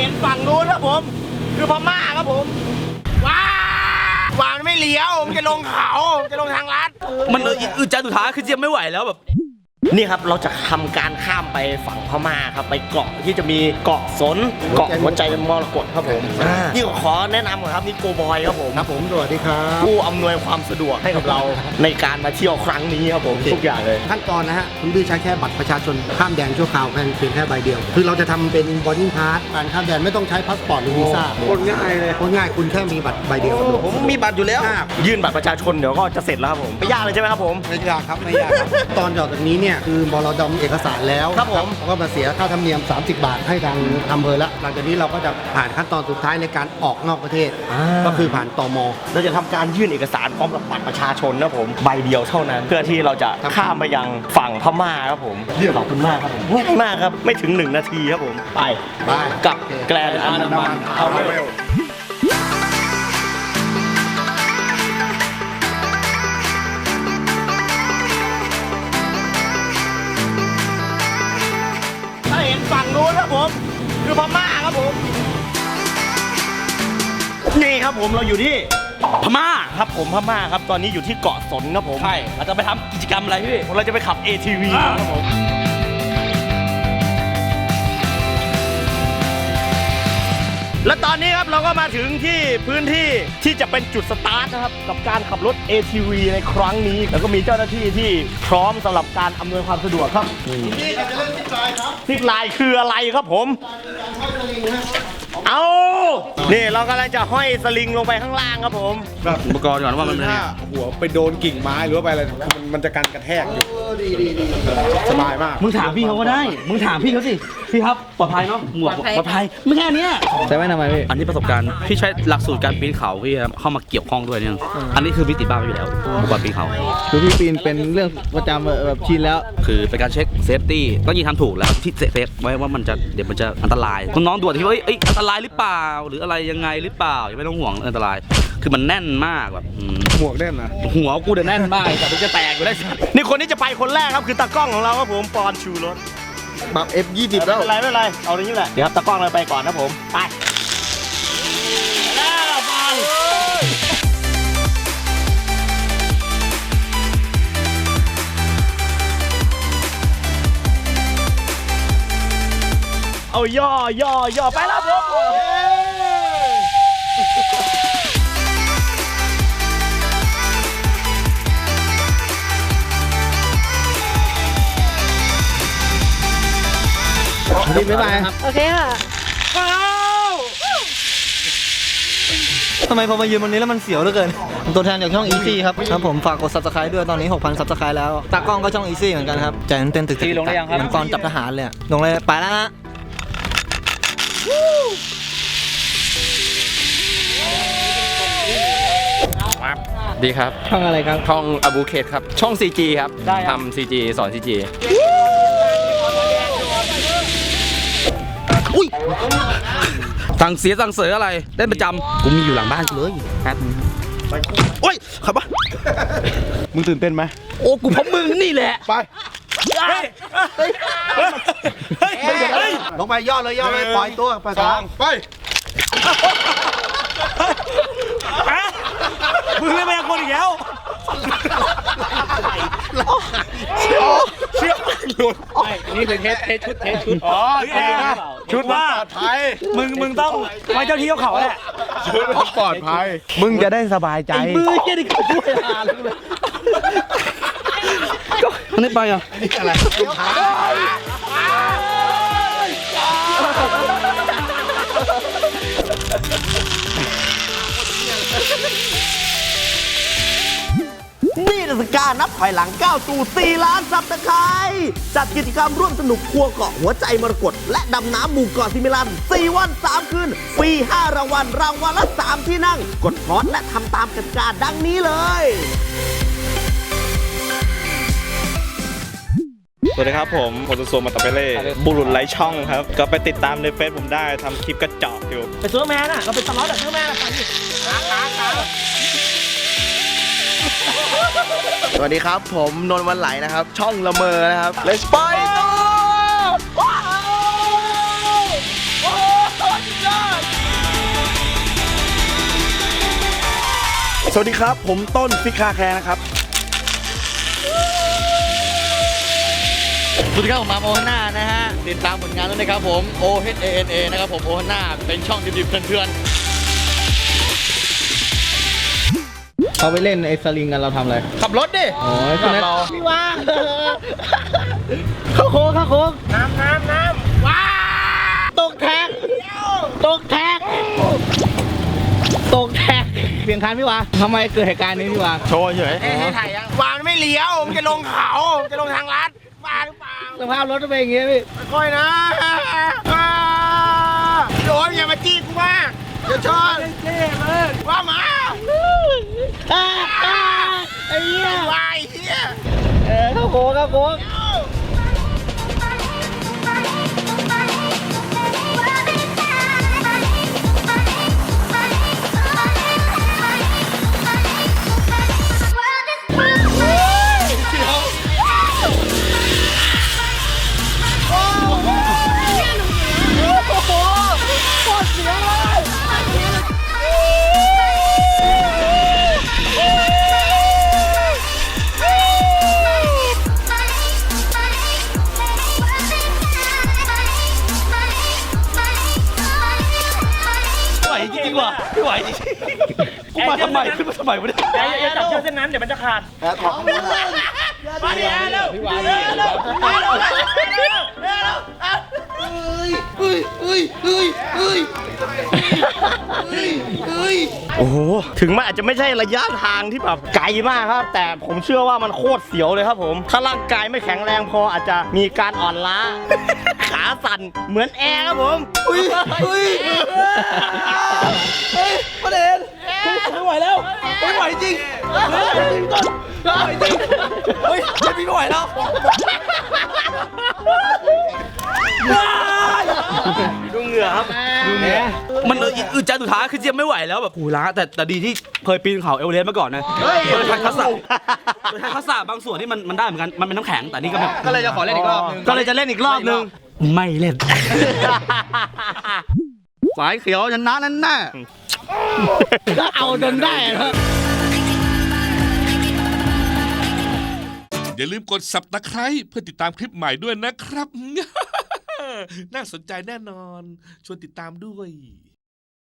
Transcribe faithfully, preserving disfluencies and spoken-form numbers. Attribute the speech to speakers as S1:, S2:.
S1: ห็นฝั่งนู้นครับผมคือพม่าครับผมว้าววานไม่เลี้ยวมันจะลงเขาจะลงทางลัด
S2: มันอึดใจสุดท้ายคือเจียมไม่ไหวแล้วแบบ
S1: นี่ครับเราจะทำการข้ามไปฝั่งพม่าครับไปเกาะที่จะมีเกาะสนเกาะหัวใจมรกตครับผมนี่ขอแนะนำก่อนครับนี่โกบอยครับผม
S3: ครับผมสวัสดีครับ
S1: ผู้อำนวยความสะดวกให้กับเราในการมาเที่ยวครั้งนี้ครับผมทุกอย่างเลย
S3: ขั้นตอนนะฮะคุณพี่ใช้แค่บัตรประชาชนข้ามแดนชั่วคราวเพียงแค่ใบเดียวคือเราจะทำเป็นบอร์ดิ้งพาสการข้ามแดนไม่ต้องใช้พาสปอร์ตหรือวีซ่า
S1: โคตรง่ายเลย
S3: โคตรง่ายคุณแค่มีบัตรใบเดียว
S1: ผมมีบัตรอยู่แล้วยื่นบัตรประชาชนเดี๋ยวก็จะเสร็จแล้วครับผมไม่ยากเลยใช่ไหมครับผม
S3: ไม่ยากครับไม่ยากครับตอนจากนี้เนี่ยคือบลดเอกสารแล้ว
S1: ครับผม
S3: ก็มาเสียค่าธรรมเนียมสามสิบบาทให้ทางอำเภอแล้วหลังจากนี้เราก็จะผ่านขั้นตอนสุดท้ายในการออกนอกประเทศก็คือผ่านตม.
S1: เราจะทำการยื่นเอกสารพร้อมกับบัตรประชาชนนะผมใบเดียวเท่านั้นเพื่อที่เราจะข้ามไปยังฝั่งพม่าครับผมขอบคุณมากครับผมง่ายมากครับไม่ถึงหนึ่งนาทีครับผมไป
S3: ไป
S1: กับแกลนด์อันดามันทาวเวลถ้าเห็นฝั่งนู้นครับผมคือพม่าครับผมนี่ครับผมเราอยู่ที่
S2: พม่า
S1: ครับผมพม่าครับตอนนี้อยู่ที่เกาะสนครับผม
S2: ใช่เราจะไปทำกิจกรรมอะไรพี่
S1: เราจะไปขับ เอ ที วี ครับผมและตอนนี้ครับเราก็มาถึงที่พื้นที่ที่จะเป็นจุดสตาร์ทนะครับกับการขับรถ เอ ที วี ในครั้งนี้แล้วก็มีเจ้าหน้าที่ที่พร้อมสำหรับการอำนวยความสะดวกครับ
S3: นี่เราจะเล่นซิปไลน์ครับ
S1: ซิปไลน์คืออะไรครับผมเอานี่เรากำลังจะห้อยสลิงลงไปข้างล่างครับผม
S2: อุปกรณ์ก่อนว่ามัน
S4: ถ้าหัวไปโดนกิ่งไม้หรือว่าไปอะไรมันมันจะกันกระแทกอยู่สบายมาก
S2: มึงถามพี่เขาก็ได้มึงถามพี่เขาสิพี่ครับปลอดภัยเนาะหมวกปลอดภัยไม่แค่นี้
S5: ใช่ไหมทำไมพี่
S2: อันนี้ประสบการณ์พี่ใช้หลักสูตรการปีนเขาพี่เข้ามาเกี่ยวข้องด้วยเนี่ยอันนี้คือพี่ติดบ้านอยู่แล้วอุปกรณ์ปีนเขา
S5: คือพี่ปีนเป็นเรื่องประจำแบบชินแล้ว
S2: คือเป็นการเช็คเซฟตี้ต้องยิงทำถูกแล้วที่เซฟไว้ว่ามันจะเดี๋ยวมันจะอันตรายน้องๆด่วนที่ว่าเอ้ยอันตรายหรือเปล่าหรืออะไรยังไงหรือเปล่าอย่าไม่ต้องห่วงอันตรายคือมันแน่นมากแบบ
S4: หมวกแน่นนะ
S2: หัวกูเดี๋ยวแน่นมากแต่มันจะแตกอยู่ได้สัตว์
S1: นี่คนที่จะไปคนแรกครับคือตากล้องของเราครับผมปอนชูรถ
S4: บับ เอฟ ยี่สิบ แล้ว
S1: ไม่เป็นไรไม่เป็นไรเอาอย่างนี้แหละเดี๋ยวตากล้องเราไปก่อนนะผมไปแล้วปอนเอาย่อย่อย่อไปแล้วผม
S5: พี่บ๊ายบาย
S6: โอเคค่ะ
S5: ทำไมพอมายืนบนนี้แล้วมันเสียวเหลือเกินตัวแทนจากช่อง Easy ครับครับผมฝากกด Subscribe ด้วยตอนนี้ หกพัน Subscribe แล้วตากล้องก็ช่อง Easy เหมือนกันครับใจเต้นตึกๆลงได้ยังครับเหมือนตอนจับทหารเลยลงเลยไปแล้วฮะ
S7: ดีครับ
S5: ช่องอะไรครับ
S7: ช่องอบูเคทครับช่อง ซี จี ครับทำ ซี จี สอน ซี จี
S2: อุ้ยสั่งเสียสั่งเสืออะไรเล่นประจำกูมีอยู่หลังบ้านกูเลยครับโอ้ยขับปะ
S4: มึงตื่นเต้นไหม
S2: โอ้กูพบมึงนี่แหละ
S4: ไป
S3: ลงไปย่อเลยย่อเลยปล่อยตัวไปสอง
S4: ไป
S1: มึงเล่นแมงคนอีกแล้ว
S4: เชี่ยวเชี่ยวหลุด
S2: นี่คือเทสเทสชุดเทสชุด
S4: อ๋อชุดว่าปลอดภัย
S1: มึงมึงต้องไว้เจ้าที่เขาแหละ
S4: ชุดปลอดภัยมึงจะได้สบายใจ
S2: มือเกี่ยนี่ก็ช่วยหาเลยก็อันนี้ไปอ่ะ
S3: นี่อะไร
S1: นี่เทศกาลนับถอยหลังก้าวสู่สี่ล้านซับสไครบ์จัดกิจกรรมร่วมสนุกครัวเกาะหัวใจมรกตและดำน้ำหมู่เกาะซิมิลันสี่วันสามคืนฟรีห้ารางวัลรางวัลละสามที่นั่งกดพอดและทำตามกติกาดังนี้เลยสวัสดีครับผมโคตุโซมาตาเปเล่บุรุษไร้ช่องครับก็ไปติดตามในเฟซผมได้ทำคลิปกระจอกอยู่ไปซื้อแมนอ่ะเราไปตลอดแบบซื้อแมนอ่ะไปดิขาขาขาสวัสดีครับผมนนท์วันไหลนะครับช่องละเมอนะครับ Let's ไปต่อ
S4: สวัสดีครับ ผมต้นฟิกคาแคร์นะครับ
S6: สวัสดีครับผมมาโอฮาน่านะฮะติดตามผลงานด้วยนะครับผม O H A N A นะครับผมโอฮาน่าเป็นช่องดิบๆเถื่อนๆเขาไปเล่นไอ้สลิงกันเราทำอะไรขับรถดิโอ้ยคนนั้นพี่ว่าเข้าโค้งเข้าโค้งน้ำน้ำน้ำว้าตกแท็กตกแท็กตกแท็กเปลี่ยนคันพี่วะทำไมเกิดเหตุการณ์นี้พี่วะโชว์เฉยให้ถ่ายยังวานไม่เลี้ยวมันจะลงเขาจะลงทางลัดบ้าหรือเปล่าสภาพรถจะเป็นอย่างงี้พี่ค่อยนะโดนอย่ามาจี้กูมากเดี๋ยวชนเจ๊เลยว่ามาไอ้เหี้ยวายเหี้ยเออเข้าโค้งเข้าโค้ง
S2: ไม่ไหวจริงกูมาทำไมขึ้นมาทำไมวะเนี่ย
S8: อย่าจับเชือกเส้นนั้นเดี๋ยวมันจะขาด
S2: มาดิเร็ว
S6: พี่วาน
S2: เร็วเร็วเร็วเร็วเร็ว
S8: โอ้โห ถึงมันอาจจะไม่ใช่ระยะทางที่แบบไกลมากครับ แต่ผมเชื่อว่ามันโคตรเสียวเลยครับผม ถ้าร่างกายไม่แข็งแรงพออาจจะมีการอ่อนล้า ขาสั่นเหมือนแอร์ครับผมอุ้ยอุ้ย
S2: ประเด็นไม่ไหวแล้วไม่ไหวจริงไม่ไหวจริงต้นไม่ไหวจริงเฮ้ยไม่ไหวแล้ว
S8: ดูเหงื่อครับดูเหงื่อ
S2: มันอึดใจสุดท้ายคือเจียมไม่ไหวแล้วแบบหูล้าแต่แต่ดีที่เคยปีนเขาเอเวอเรสต์มาก่อนนะเคยใช้ทักษะเคยใช้ทักษะบางส่วนที่มันมันได้เหมือนกันมันเป็นน้ำแข็งแต่นี่ก็แบบ
S6: ก็เลยจะขอเล่นอีกรอบนึง
S2: ก็เลยจะเล่นอีกรอบนึงไม่เล่นสายเขียวชนะนั่นน่ะ
S6: ก็เอาจนได้ครับ
S9: อย่าลืมกด ซับสไครบ์ เพื่อติดตามคลิปใหม่ด้วยนะครับ น่าสนใจแน่นอน ชวนติดตามด้วย